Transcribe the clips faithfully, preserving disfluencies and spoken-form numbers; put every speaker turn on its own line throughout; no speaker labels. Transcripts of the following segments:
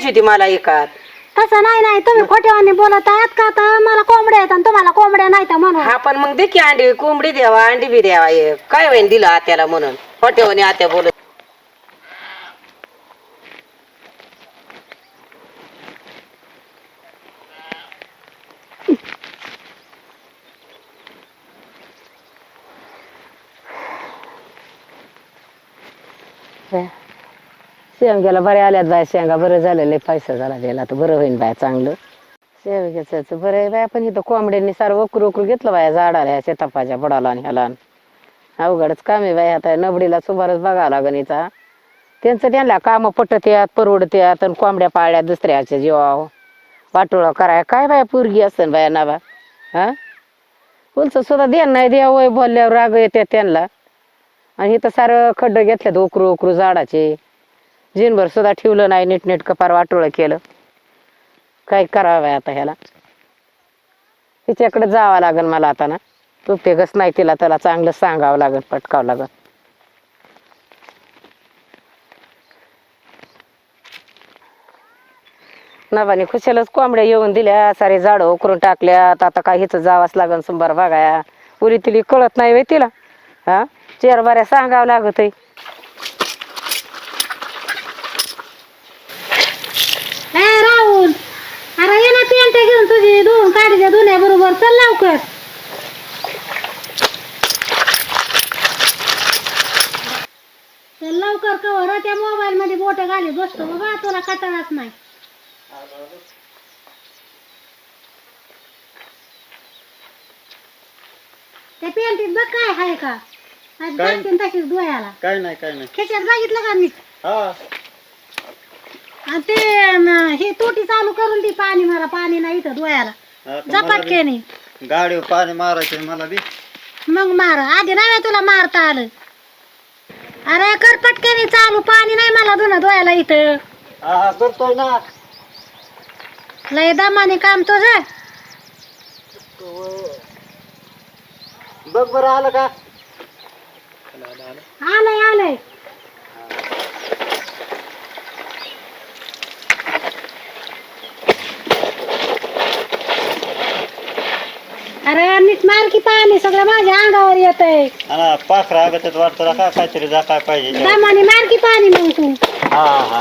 घ्यायची होती मला एकात.
तसं नाही नाही तुम्ही खोटेवानी बोलत आहात का तर मला कोंबड्या आहेत आणि तुम्हाला कोंबड्या नाही तर म्हणून.
हा पण मग दे की अंडी कोंबडी द्यावा अंडी बी द्यावा एक. काय होईन दिलं आत्याला म्हणून खोटेवानी आत्या बोलत. शेवग्याला बऱ्या आल्यात बाय शेंगा बरं झालेलं पैसा झाला त्याला तर बरं होईन बाय चांगलं. शेवग्याचं बरं आहे बाय पण इथं कोंबड्यांनी सारं वकरू वकरू घेतलं बाया झाडाला ह्या शेतापाच्या बुडाला आणि ह्याला. अवघडच काम आहे बाय आता नबडीला सुमारच बघावं लागन इथं. त्यांचं त्यांना कामं पटत्यात परवडत्यात आणि कोंबड्या पाळल्या दुसऱ्याच्या जीवाव वाटोळा कराय काय बाय पोरगी असन बाया नाबा. हा उलच सुद्धा देण नाही द्यावं बोलल्यावर राग येतात त्यांना. आणि इथं सारं खड्डं घेतल्यात उकरू उकरू झाडाचे जिनभर सुद्धा ठेवलं नाही नीटनीट कपार वाटोळं केलं. काय करावं आता ह्याला हिच्याकडे जावं लागेल मला आता ना. उपयोगच नाही तिला त्याला चांगलं सांगावं लागेल पटकावं लागेल. नवानी खुशालच कोंबड्या येऊन दिल्या सारे झाडं उकरून टाकल्यात. आता काय हिचं जावंच लागेल संभार बघाया पुरी तिला कळत नाही वे तिला. हा चेर बऱ्या सांगावं लागत आहे.
राहुल अरे ये ना पेंट घेऊन तुझी धुवून काढीच्या धुण्या बरोबर चल लवकर. चल लवकर कवर त्या मोबाईल मध्ये बोट घाली बसतो बाबा तुला कटाळाच नाही. त्या पेंटीत बघ काय आहे का तशीच धुवायला.
काय नाही काय नाही
खेच्यात बघितलं का मी.
हा
आणि ते हे तोटी चालू करून ती पाणी मारा पाणी नाही इथं धुवायला झपाटकेने.
गाडीवर पाणी मारायचे मला बी.
मग मार आधी नाही तुला मारता आलं. अरे कर पटकेने चालू पाणी नाही मला धुणं धुवायला इथं.
हा करतोय ना.
लय दमाने काम तुझं.
बघ बरं आलं का.
आलंय आलंय. अरे नीट मार की पाणी सगळं माझ्या अंगावर येतंय.
हा पाखरा अगत वाटतं का काहीतरी जा काय पाहिजे.
दमाने मार की पाणी मग तू.
हा हा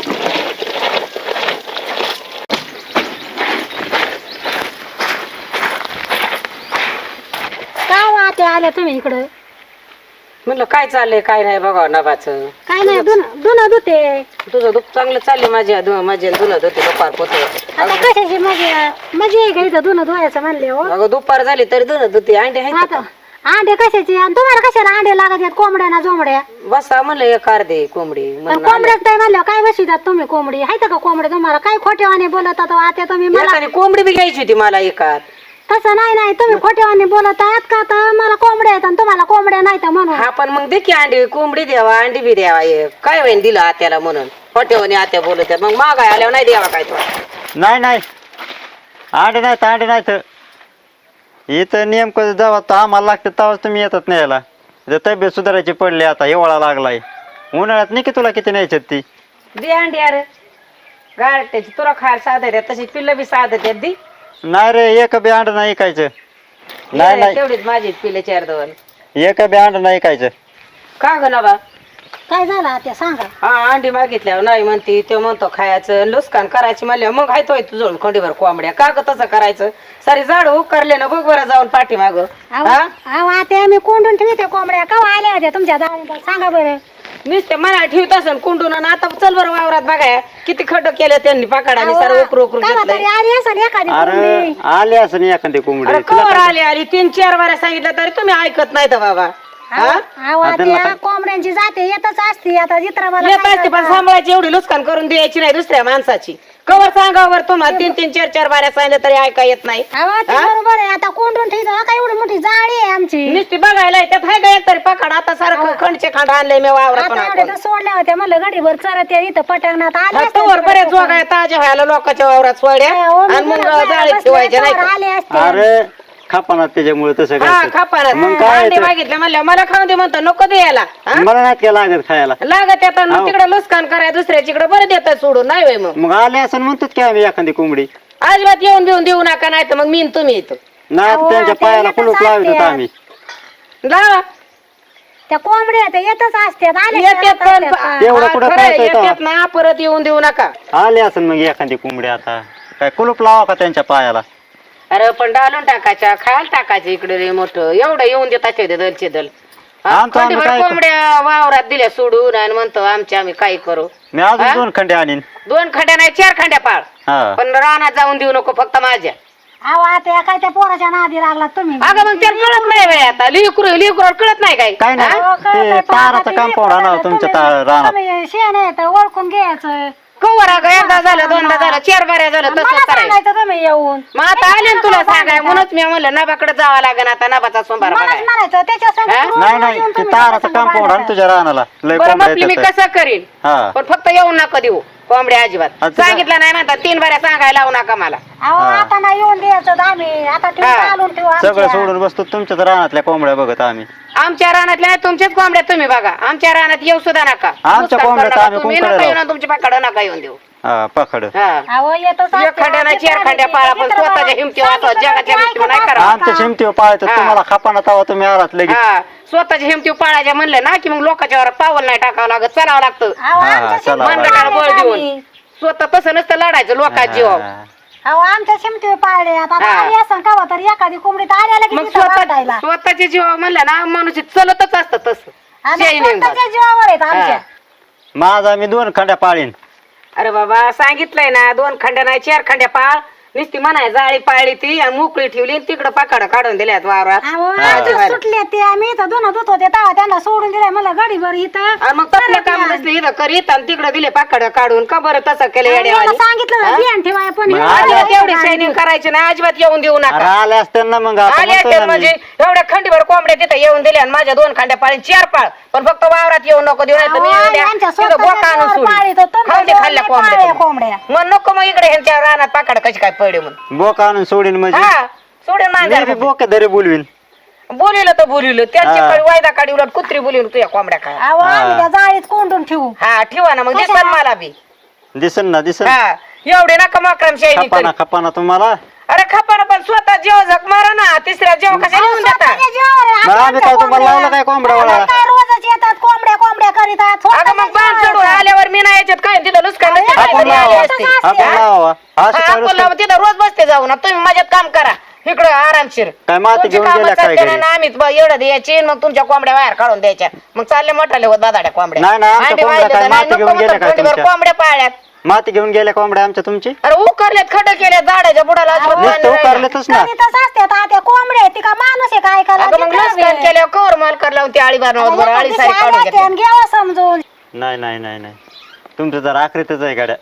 काय वाटे आल्या तुम्ही इकडं.
म्हणलं काय चाललंय काय नाही बघा नभाचं.
काय नाही धुणं धुणं धुते.
तुझं दुःख चांगलं चालले माझ्या माझ्या धुणं धुते दुपार पोते.
आता कशाची मजा मजा आहे का इथं धुणं धुवायचं म्हणले हो.
अगं दुपार झाली तरी धुणं धुते अंडे आहेत
आता अंडे कशाचे आणि तुम्हाला कशाला अंडे लागत आहेत कोंबड्या जोमड्या.
बसा म्हणलं एक अर्धे कोंबडी म्हणून
कोंबड्याच काय म्हणलं काय बसवितात तुम्ही कोंबडी आहेत का कोंबड्या तुम्हाला काय खोटेवाने बोलत आता आता तुम्ही मला.
एकाने कोंबडी बी घ्यायची होती मला एकात.
तसं नाही नाही तुम्ही खोटेवाने बोलत आहात का तर मला कोंबड्या आहेत आणि तुम्हाला कोंबड्या नाही तर म्हणून.
हा पण मग दे की अंडी कोंबडी द्यावा अंडी बी द्यावा एक. काय होईन दिलं आत्याला म्हणून खोटेवानी आत्या बोलत आहेत. मग मागाय आल्यावर नाही द्यावा काय तो.
नाही नाही अंडे नाहीत अंडे नाहीत. इथं नेमकं जेव्हा तर आम्हाला लागतं तेव्हाच तुम्ही येतात न्यायला. तब्येत सुधारायची पडली आता हिवाळा लागलाय. उन्हाळ्यात नाही की तुला किती न्यायच्यात ती.
दे अंडी अरे गारट्याची तुला खायला साधत आहेत तशी पिल्लं बी साधत आहेत दी.
नाही रे एक बी अंड नाही ऐकायचं. नाही नाही
तेवढीच माझी पिल्ले चार दोन.
एक बी अंड नाही ऐकायचं.
का ग नबा
काय झालं आता सांगा.
हा अंडी मागितल्यावर नाही म्हणती ते म्हणतो खायचं लुस्कान करायची म्हणल्या मग हायतोय तुझं खंडीभर कोंबड्या का ग तसं करायचं. सारी झाड उकरले ना बघ बरं जाऊन पाठी माग.
अहो आता आम्ही कोंडून ठेवते कोंबड्या का आल्या होत्या तुमच्या दारात सांगा बरं.
नुसते मला ठेवत असन कुंडून आणि आता चल बरं वावरात बघाय किती खड्ड केलं त्यांनी पाकाडाने सारं उकरू उकरू घेतलंय.
अरे आले असं नाही एखादी कोंबडी.
अरे कवर आली आली तीन चार वाऱ्या सांगितलं तरी तुम्ही ऐकत नाही तर बाबा.
कोंबड्यांची जाते येतच असते आता जित्राबाला
येत असते पण सांभाळायची एवढी लुस्कान करून द्यायची नाही दुसऱ्या माणसाची. कवर सांगावर तुम्हाला तीन तीन चार चार बाऱ्या सांगितलं तरी ऐका येत नाही.
बरोबर आहे आता कोंडून ठेवतो का एवढी मोठी जाळी आहे आमची.
नुसती बघायला त्यात हाय का एक तरी पकड आता सारखं खंडचे खांड आणलंय मी वावरात.
सोडल्या होत्या म्हणलं गडीभर चरत इथं पटकनात आले
तोवर बरेच जोगाय ताज्या व्हायला लोकांच्या वावरात सोड्या आणि मग जाळीत ठेवायच्या नाही.
अरे खापाना त्याच्यामुळे तसं
हा
काय
खापाना
मग काय
अंडे
ते?
मागितले म्हणलं मला खाऊन दे म्हणतो नको द्यायला
मला नाही काय लागत खायला
लागत आता
हो.
तिकडे लुस्कान कराय दुसऱ्याच्याकडे बरं देतात सोडून नाही होय मग
मग आले असं म्हणतात की आम्ही एखादी कोंबडी
अजिबात येऊन बिऊन देऊ नका नाही तर मग मी न तुम्ही येतो
नाही
अहो,
त्यांच्या
ते
पायाला
येतच
कुलूप लावित होतो
असते.
आम्ही
लावा
त्या कोंबड्या त्या येतच असतात आले
येतात
का
पण
येतात का?
तेवढं
हा,
कुठं
खरं आहे,
कळतंय तेव्हा?
येतात ना परत येऊन देऊ नका
आले असेल मग एखादी कोंबडी आता काय कुलूप लावा का त्यांच्या पायाला
अरे पण डालून टाकायच्या खायला टाकायचं इकडे रे मोठं एवढं येऊन देतात ते दलचे दल हा,
आमचं आम्ही
खंडीभर
काय करू?
कोंबड्या वावरात दिल्या सोडून आणि म्हणतो आमच्या आम्ही काय करू
मी अजून
हा?
दोन खंडे आणीन
दोन खंड्या नाही चार खंड्या पाळ
हा
पण रानात जाऊन देऊ नको फक्त माझ्या
अहो आता काय त्या पोराच्या नादी लागला तुम्ही
अगं मग त्याला कळत नाही बाई आता लिकरू लिकरू कळत नाही काय
काय नाही
अहो, कळतंय
ते
पण
ताराचं
आता ते
कंपाऊंड
लेकरं
आणावं तुमच्या
तुम्ही-
ता- रानात
तुम्ही शेण आहे तर ओळखून घ्यायचं
कवर अगं एकदा झालं दोनदा झालं चार बाऱ्या झालं
मला
तसं करायचं
सांगायचं तुम्ही येऊन
मग आता आले ना तुला सांगाय म्हणूनच मी म्हणलं नबाकडे जावं लागेल आता नबाचा सोमवार
मलाच
बघाय
म्हणायचं त्याच्या संग
हा?
रोज
नाही
रोज
नाही
येऊन
ते
तुम्ही
ताराचं
त्याच्या संग
कंपाऊंड आण
भांडायचं.
तुझ्या रानाला लय
बरं
कोंबड्या
म्हटली मी
येतात.
कसं करीन
हा
पण फक्त येऊ नका देऊ कोंबड्या अजिबात
अच्छा.
सांगितलं नाही म्हणतात तीन बाऱ्या सांगायला लावू नका मला
अहो
हा.
आता नाही येऊन द्यायचं आम्ही आता ठेवून
हा.
चालून ठेवू
सगळं
आमच्या.
सोडून बसतो तुमच्याच रानातल्या कोंबड्या बघत आम्ही
आमच्या रानातल्या नाही तुमच्याच कोंबड्या तुम्ही बघा आमच्या रानात येऊ सुद्धा नका नुकसान
कोंबड्या
करू
तर
नका.
आम्ही
तुम्ही
कुंकड्या
नका येऊन
लावू.
आणि तुमच्या पाकडं नका येऊन देऊ
हा पकड
हा
अहो येतच
एक
असते.
खंड्या नाही,
ते
चार
तर
खंड्या
आम्ही
पाळा,
ते
पण
तर
स्वतःच्या
बरं.
हिमतीवर असं
सांगितलं
जगाच्या
तर
हिमतीवर
ऐकत
नाही करावं.
असता.
आमच्या शिमतीवर पाळतात
हा.
तुम्हाला खापाना तवा तुम्ही आलात लगेच
हा स्वतःच्या हिमती पाळायच्या म्हणलं ना की मग लोकांच्या वर पावल नाही टाकावं लागत चलावं लागतं
अहो,
हा,
आमच्या
चला.
शिमतीवर
मनगटाला बळ
पाळले
देऊन
आम्ही.
स्वतः तसं नसतं लढायचं लोकांच्या जीवावर
हा.
अहो आमच्या शिमतीवर पाळले आता
हा.
आली असं कवा तर एखादी कोंबडी तर आल्या लगेच
मग
इथं
स्वतः
बांधायला.
स्वतःच्या जीवावर म्हणलं ना माणूस चलतच असतं तसं
आणि
शाईनिंग बाग.
स्वतःच्या जीवावर आहेत आमच्या
हा.
माझा मी दोन खंड्या पाळीन
अरे बाबा सांगितलंय ना दोन खंड्या नाही चार खंड्या पाळ नुसती म्हणाय जाळी पाळली ती आणि मोकळी ठेवली तिकडं पाकडं काढून दिल्यात वावरात
अहो
हा.
आमचे सुटले ते आम्ही इथं दोन धुत होते तेव्हा त्यांना सोडून दिले मला गाडीवर इथं
आणि मग तसलं काम नसलं इथं करीत आणि तिकडं दिले पाकडं काढून का बरं तसं केलं
याला
येड्यावानी
सांगितलं
हा?
ध्यान ठेवाय पण
मग
हे
आले
आले
अजिबात एवढी
गाडीवर.
शायनिंग करायची नाही अजिबात येऊन देऊ
अरे
नका
आले असते ना मग आता
आले
म्हणतोय
असते
ना
म्हणजे
मी.
एवढ्या खंडीभर कोंबड्या तिथं येऊन दिल्या आणि माझ्या दोन खंड्या पाळी चार पाळ पण फक्त वावरात येऊन नको देऊ नाही तर मी
अहो,
उद्या
यांच्या
तिथं
स्वतःच्या
बोका आणून
जीवावर
सोडीन.
पाळीत होतं,
खाऊन दे
तुमच्या
खाल्ल्या
जीवावर नाही
कोंबड्या
कोंबड्या.
मग नको मग इकडे ह्यांच्या रानात पाकड कशी काय पडे म्हणून
बोक आणून सोडीन म्हणजे
हा सोडून
मी बी
मांजर
बोक धरी बोलवीन
बोलिलं तर बोलिलं त्यांची
हा.
कडे वायदा काढी उलट कुत्री बोलिवून तुझ्या कोंबड्या काय
अहो आम्ही त्या जाळीत कोंडून ठेवू
हा ठेवा ना मग
कशा?
दिसन मला बी
दिसन ना दिसन
हा एवढे नका मक्रम शायनिंग
खपाना खपाना तुम्हाला
अरे खपाना पण स्वतः जेव झक मारा ना तिसऱ्या जेव कशा
अहो,
लिहून देता
स्वतःच्या जीवावर आहे.
मग
आमच्या
आम्ही काय तुम्हाला
कोंबड्या.
लावलं काय कोंबड्या
आम्हाला
वळायला?
काय रोजच येतात कोंबड्या कोंबड्या करीतात
अगं
स्वतःच्या
मग बाण
जीवावर
चढून
आहे.
आल्यावर मी नाही याच्यात काय तिथं लुस्कान
अरे,
नसते,
आपण
काय तरी आली
लावा
असते.
असते.
आपण लावा
हा,
असं काय
आपण
नुसतं-
लावा, तिथं रोज बसते जाऊन आता तुम्ही माझ्यात काम करा इकडं आरामशीर
काय माती
तुमची
घेऊन
कामं
गेल्या काय
चालते ना,
घरी?
आम्ही ब- एवढं द्यायची मग तुमच्या कोंबड्या बाहेर काढून द्यायच्या मग चालले मोठाले होत दादाड्या कोंबड्या
नाही, नाही, आमच्या
अंडी
कोंबड्या
वाहिले
काय
तर नाही,
माती
नको
घेऊन गेल्या
म्हणतात
काय
खंडीभर
तुमच्या?
कोंबड्या पाळल्यात
माती घेऊन गेल्या कोंबड्या आमच्या तुमची
अरे उकरल्यात खड केल्या झाडाच्या बुडाला अजिबात
नुसतं
पाणी राहिलं.
उकारलेतच ना
करीतच असतात आता त्या कोंबड्या आहेत, ती का माणूस आहे काय ऐकायला
अगं मग
ती करावी.
लसकन केल्यावर कवर माल कर लावून ती आळी बार
आता एका
आळी
दिवशी
सारी
आले
काढून
असते
घेतली
आणि घ्यावं समजून
नाही नाही नाही नाही तुमचं जर आखरीतच आहे गाड्या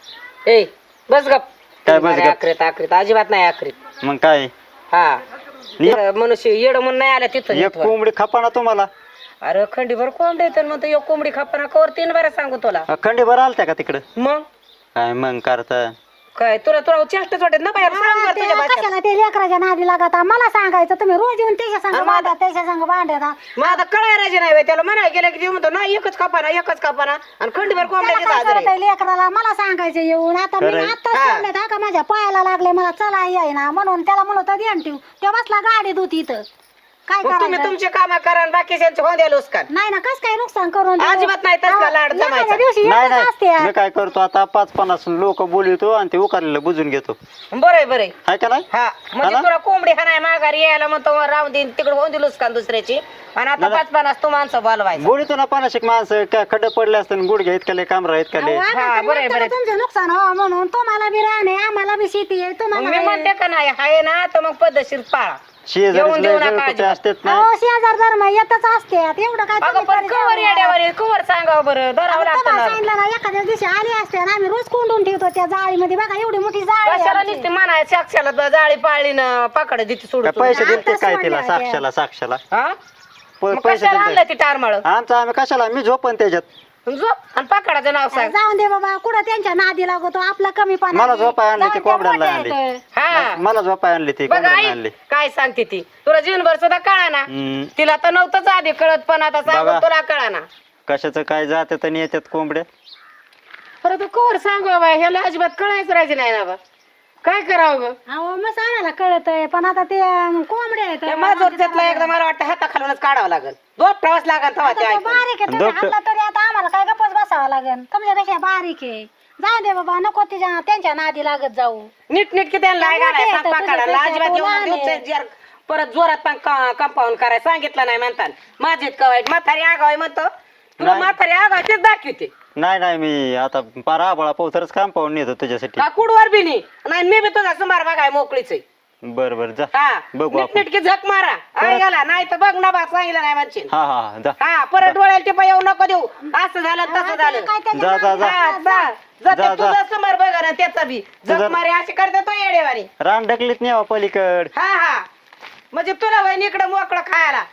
ए बस गप
काय बस गप?
आखरीत आखरीत अजिबात नाही आखरीत
मग काय
हा
नि-
येडं मनुष्य येड म्हणून नाही आल्या तिथं
एक
नेटवर.
कोंबडी खपाना तुम्हाला
अरे खंडीभर कोंबडी तर म्हणतो एक कोंबडी खापना कवर तीन बारा सांगू तुला
खंडी भर आलत्या का तिकडं
मग
काय मग करता
काय तुला तुला चेष्टच वाटत ना बाहेर सांग बरं
ते
तुझ्या भाषेत.
कशाला ते लेकराच्या नादी लागत मला सांगायचं तुम्ही रोज येऊन त्याच्या संग
अरे
बांधा त्याच्या संग बांधता
मग आता कळायला नाही बाई, त्याला म्हणाय गेलं की ते म्हणतो नाही एकच खापाना एकच खापाना आणि खंडीभर कोंबड्या तिथं
काय
हजर
करत
आहे.
लेकराला मला सांगायचं येऊन आता मी
खरंय.
आता
हा.
सोडले का माझ्या पायाला लागले मला चला येईना म्हणून त्याला म्हणत ध्यान ठेवू ते बसला गाडी दूत इथं काय
मग तुम्ही
करायचं
तुमचे काम करा आणि बाकीच्यांचे होऊन द्या लुस्कान
नाही ना कस काय नुकसान करून देऊ?
अजिबात नाही तसला लाड
एखाद्या
जमायचा.
दिवशी
नाही
येतच असते
नाही मी काय करतो आता पाच पन्नास लोक बोलवतो आणि ते उकारलेलं बुजून घेतो
बरं आहे बरं आहे.
हाय का नाही
हा म्हणजे
हा ना?
तुला कोंबडी हा नाही माघारी यायला म्हणतो राहून देईन तिकडे होऊन दिलूस का दुसऱ्याची आणि आता
नाही,
पाच पन्नास तू माणसं बोलवायचं
बोलतो ना पन्नाशिक माणसं काय खड्डे पडले असते गुडघ्या इतकले कामरा इतकले
अहो,
हा,
आता
बरं आहे,
नंतर
बरं आहे.
तुमचं नुकसान हो म्हणून तुम्हाला बी राहणे आम्हाला बी शेती आहे
मग
तुम्हाला
मी
आहे.
म्हणते का नाही हाय ना तर मग पद्धतशीर पाळा
शेजारी
येऊन देऊ नका
कुठे
अजिबात.
असतात ना
अहो शेजार धर्म येतच असते एवढं काय
अगं
तुम्ही
पण
करीत
कवर
जाऊ
येड्यावर
नका.
आहे, कवर सांगावं बरं धरावं लागतं
तुम्हाला
ना
सांगितलं ना एखाद्या दिवशी आली असते आणि आम्ही रोज कोंडून ठेवतो त्या जाळीमध्ये बघा एवढी मोठी जाळी आहे
कशाला
आमची.
नुसती म्हणाय साक्षाला जाळी पाळली ना पाकड देते सोडून
काय पैसे
आता
दिलते काय तिला
सोडल्या
साक्षाला साक्षाला
हा
प-
मग
पैसे
कशाला आणलं
दिलते
ती टारमाळ
आमचं आम्ही कशाला मी झोपन त्याच्यात
झोप आणि पाकडाचं नाव सांग.
जाऊन दे बाबा, कुठं त्यांच्या नादी लागतो आपला कमी पाणी.
मला झोपाय आणली ती कोंबड्याला आणली.
हा
मला झोपाय आणली ती
बघा
कोंबड्याला
आई
आणली.
काय सांगते ती, तुला जीवनभर सुद्धा कळा ना.
हम्म,
तिला तर नव्हतंच आधी कळत, पण आता सांगून
बघा.
तुला कळा ना.
कशाचं काय जात्यात आणि येतात कोंबड्या.
परत तू कोर सांगू बाबा, ह्याला अजिबात कळायचं राहायचं नाही ना बा. काय करावं ग?
अहो मग आम्हाला कळतंय, पण आता ते अं, कोंबड्या आहेत.
त्या माझोरच्यातला एकदा मला वाटतं हाताखालूनच काढावं लागेल, दोन प्रवास लागेल तेव्हा ते
आता तो
ऐकून.
बारीक आहे, तुम्ही
डॉक्टर-
हाणला तरी आता आम्हाला काय गप्पच बसावं लागेल. तुमच्यापेक्षा बारीक आहे. जाऊ दे बाबा, नको तिच्या त्यांच्या नादी लागत जाऊ.
नीट नीट किती आणला
त्या मोठ्या आहेत,
पाकाडाला
तुझ्यापेक्षा
अजिबात
तो
येऊन
लहान आहे.
देऊचं जर परत जोरात पण कंपाऊंड करायला सांगितलं नाही म्हणतात. माझे का वाईट म्हातारी आगाव म्हणतो, तुला
नाही.
म्हातारी आगाव तेच दाखवते
नाही नाही मी आता पार आबाळा पोथरच काम पाहून नेतो तुझ्यासाठी.
का कुडवर बी नाही. नाही मी बी तुझा सुमार बघाय मोकळीच आहे.
बर बर जा
हा
बघू
नीट
आपण.
नीटकी झक मारा आई गेला नाही तर बघ ना बा सांगितलं नाही म्हणशील.
हा हा हा, जा
हा परत डोळ्याला टिपा येऊ नको देऊ, असं झालं तसं झालं.
काय त्याच्या
जा जा जा
हा, जा. जा
जा,
ते तुझा
जा.
समोर बघा ना त्याचा बी
तुझा-
झक मारे असे करते तो येडेवानी.
रान ढकलीत नेवा पलीकड.
हा हा म्हणजे तुला वय इकडं मोकळं खायला.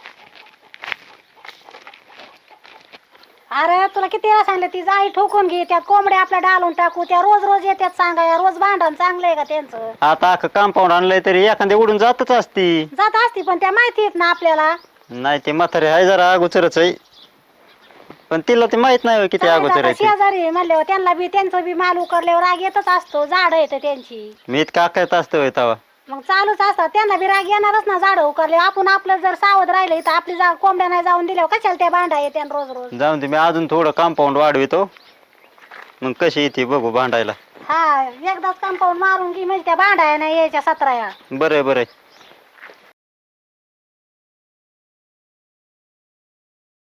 अरे तुला किती वेळा सांगितलं, ती जाई ठोकून घे, त्यात कोंबड्या आपल्या डालून टाकू, त्या रोज रोज येतात सांगाय, रोज भांडण चांगलंय का त्यांचं.
आता अख्खं कंपाऊंड आणलंय तरी एखादी उडून जातच असती.
जात असती पण त्या माहिती आहेत ना आपल्याला.
नाही ते म्हातारे आहे जरा अगोचरच आहे, पण तिला ते माहित नाही होय किती अगोचर आहे ते.
शेजारी म्हणल्यावर त्यांना बी त्यांचं बी माल उकरल्यावर राग येतच असतो, झाड येतं त्यांची.
मी इतका आकायत असतं होय तवा.
मग चालूच असतात, त्यांना बी राग येणारच ना झाड उकरले. आपण आपलं जर सावध राहिलं तर आपली जा कोंबड्या नाही जाऊन दिल्यावर कशाला त्या भांडा येते रोज रोज.
जाऊन ते मी अजून थोडं कंपाऊंड वाढवितो, मग कशी येते बघू भांडायला.
हा एकदाच कंपाऊंड मारून की म्हणजे त्या भांडा नाही यायच्या सतराया.
बरं आहे बरं आहे.